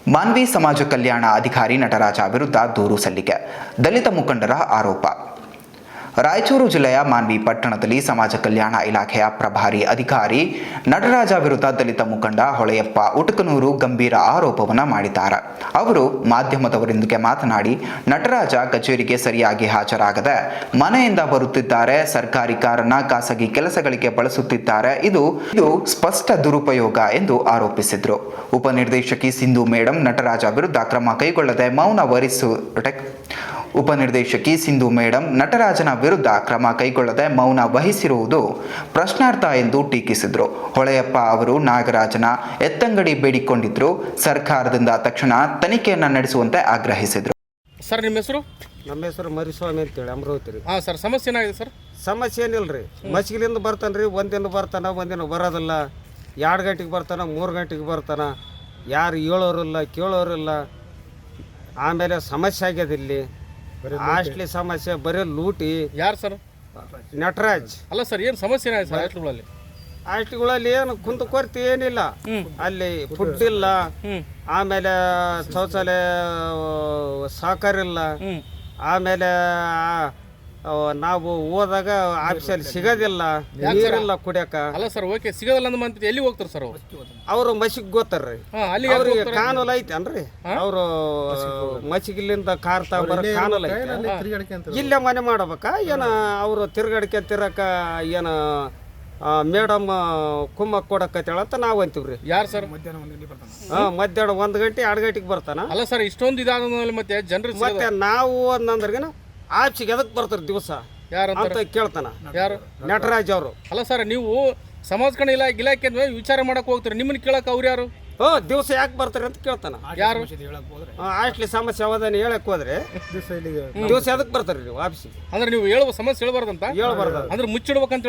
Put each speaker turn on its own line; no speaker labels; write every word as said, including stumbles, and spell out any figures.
ಮಾನ್ವಿ ಸಮಾಜ ಕಲ್ಯಾಣ ಅಧಿಕಾರಿ ನಟರಾಜ ವಿರುದ್ಧ ದೂರು ಸಲ್ಲಿಕೆ. ದಲಿತ ಮುಖಂಡರ ಆರೋಪ. ರಾಯಚೂರು ಜಿಲ್ಲೆಯ ಮಾನ್ವಿ ಪಟ್ಟಣದಲ್ಲಿ ಸಮಾಜ ಕಲ್ಯಾಣ ಇಲಾಖೆಯ ಪ್ರಭಾರಿ ಅಧಿಕಾರಿ ನಟರಾಜ ವಿರುದ್ಧ ದಲಿತ ಮುಖಂಡ ಹೊಳೆಯಪ್ಪ ಉಟಕನೂರು ಗಂಭೀರ ಆರೋಪವನ್ನು ಮಾಡಿದ್ದಾರೆ. ಅವರು ಮಾಧ್ಯಮದವರೊಂದಿಗೆ ಮಾತನಾಡಿ, ನಟರಾಜ ಕಚೇರಿಗೆ ಸರಿಯಾಗಿ ಹಾಜರಾಗದೆ ಮನೆಯಿಂದ ಬರುತ್ತಿದ್ದಾರೆ, ಸರ್ಕಾರಿ ಕಾರನ್ನ ಖಾಸಗಿ ಕೆಲಸಗಳಿಗೆ ಬಳಸುತ್ತಿದ್ದಾರೆ, ಇದು ಇದು ಸ್ಪಷ್ಟ ದುರುಪಯೋಗ ಎಂದು ಆರೋಪಿಸಿದರು. ಉಪನಿರ್ದೇಶಕಿ ಸಿಂಧು ಮೇಡಂ ನಟರಾಜ ವಿರುದ್ಧ ಕ್ರಮ ಕೈಗೊಳ್ಳದೆ ಮೌನ ವಹಿಸು ಉಪನಿರ್ದೇಶಕಿ ಸಿಂಧು ಮೇಡಂ ನಟರಾಜನ ವಿರುದ್ಧ ಕ್ರಮ ಕೈಗೊಳ್ಳದೆ ಮೌನ ವಹಿಸಿರುವುದು ಪ್ರಶ್ನಾರ್ಥ ಎಂದು ಟೀಕಿಸಿದರು. ಹೊಳೆಯಪ್ಪ ಅವರು ನಾಗರಾಜನ ಎತ್ತಂಗಡಿ ಬೇಡಿಕೊಂಡಿದ್ರು. ಸರ್ಕಾರದಿಂದ ತಕ್ಷಣ ತನಿಖೆಯನ್ನು ನಡೆಸುವಂತೆ ಆಗ್ರಹಿಸಿದರು.
ಸರ್, ನಿಮ್ಮ ಹೆಸರು?
ನಮ್ಮ ಹೆಸರು ಮರಿಸ್ವಾಮಿ ಅಂತೇಳಿ, ಅಮರಾವತಿ ರೀ.
ಹಾಂ ಸರ್, ಸಮಸ್ಯೆ ಏನಾಗಿದೆ ಸರ್?
ಸಮಸ್ಯೆ ಏನಿಲ್ಲ ರೀ. ಮಚ್ಗಿಲಿಂದ ಬರ್ತಾನೆ ರೀ, ಒಂದಿನ ಬರ್ತಾನೆ, ಒಂದಿನ ಬರೋದಿಲ್ಲ. ಎರಡು ಗಂಟೆಗೆ ಬರ್ತಾನೆ, ಮೂರು ಗಂಟೆಗೆ ಬರ್ತಾನೆ. ಯಾರು ಹೇಳೋರಿಲ್ಲ, ಕೇಳೋರಿಲ್ಲ. ಆಮೇಲೆ ಸಮಸ್ಯೆ ಆಗ್ಯದ ಇಲ್ಲಿ, ಹಾಸ್ಟ್ಲಿ ಸಮಸ್ಯೆ, ಬರೀ ಲೂಟಿ.
ಯಾರು ಸರ್?
ನಟರಾಜ್.
ಅಲ್ಲ ಸರ್, ಏನು ಸಮಸ್ಯೆ ಏನಾಗಿದೆ ಸರ್ ಹಾಸ್ಟೆಲ್ಗಳಲ್ಲಿ?
ಹಾಸ್ಟ್ಲ್ಗಳಲ್ಲಿ ಏನು ಕುಂದು ಕೊರತೆ ಏನಿಲ್ಲ. ಅಲ್ಲಿ ಫುಡ್ ಇಲ್ಲ, ಆಮೇಲೆ ಶೌಚಾಲಯ ಸಹಕಾರ ಇಲ್ಲ, ಆಮೇಲೆ ನಾವು ಹೋದಾಗ ಆಫೀಸಲ್ಲಿ ಸಿಗೋದಿಲ್ಲ, ನೀರಿಲ್ಲ ಕುಡಿಯಕ.
ಅಲ್ಲ ಸರ್, ಓಕೆ, ಸಿಗೋದಿಲ್ಲ ಅಂದ ಮಂತ್ ಎಲ್ಲಿ ಹೋಗ್ತಾರೆ ಸರ್?
ಅವರು ಮಸಿಗೆ ಗೊತ್ತಾರ್ರಿ, ಅವ್ರಿಗೆ ಕಾನೂನು ಐತೆ ಅನ್ರಿ. ಅವರು ಮಸಿಗಿಲ್ಲಿಂದ ಕಾರ್ ತಗೊಂಬರ ಕಾನೂನು ಐತೆ. ಇಲ್ಲೇ ಮನೆ ಮಾಡ್ಬೇಕಾ ಏನ? ಅವರು ತಿರ್ಗಾಡಿಕೆ ತಿರಕ ಏನ ಮೇಡಮ್ ಕುಮ್ಮ ಕೊಡಕತ್ತೇಳ ಅಂತ ನಾವು ಅಂತೀವ್ರಿ.
ಯಾರು ಸರ್?
ಹಾಂ, ಮಧ್ಯಾಹ್ನ ಒಂದು ಗಂಟೆ ಎರಡು ಗಂಟೆಗೆ ಬರ್ತಾನ.
ಅಲ್ಲ ಸರ್, ಇಷ್ಟೊಂದು ಇದಾದ ಮತ್ತೆ ಜನರು
ಮತ್ತೆ ನಾವು ಅಂದ್ರಿಗಿನ ಆಫೀಸಿಗೆ ಎದಕ್ಕೆ ಬರ್ತಾರೆ ದಿವಸ
ಯಾರು
ಅಂತ ಕೇಳ್ತಾನ.
ಯಾರು?
ನಟರಾಜ್ ಅವರು.
ಅಲ್ಲ ಸರ್, ನೀವು ಸಮಾಜ ಕಲ್ಯಾಣ ಇಲಾಖೆ ಇಲಾಖೆ ವಿಚಾರ ಮಾಡಕ್ ಹೋಗ್ತೀರಿ, ನಿಮ್ಮನ್ನ ಕೇಳಕ್ ಅವ್ರು ಯಾರು?
ಹೋ, ದಿವಸ ಯಾಕೆ ಬರ್ತಾರೆ ಅಂತ ಕೇಳ್ತಾನ.
ಯಾರು?
ಹಾಸ್ಟ್ಲಿ ಸಮಸ್ಯೆ ಅವಧಾನ ಹೇಳಕ್ ಹೋದ್ರೆ ದಿವಸ ಎದಕ್ಕೆ ಬರ್ತಾರೆ ನೀವು ಆಫೀಸಿಗೆ?
ಅಂದ್ರೆ ನೀವು ಹೇಳುವ ಸಮಸ್ಯೆ ಹೇಳ್ಬಾರ್ದಂತ
ಹೇಳ್ಬಾರ್ದು.
ಅಂದ್ರೆ ಮುಚ್ಚಿಡ್ಬೇಕಂತ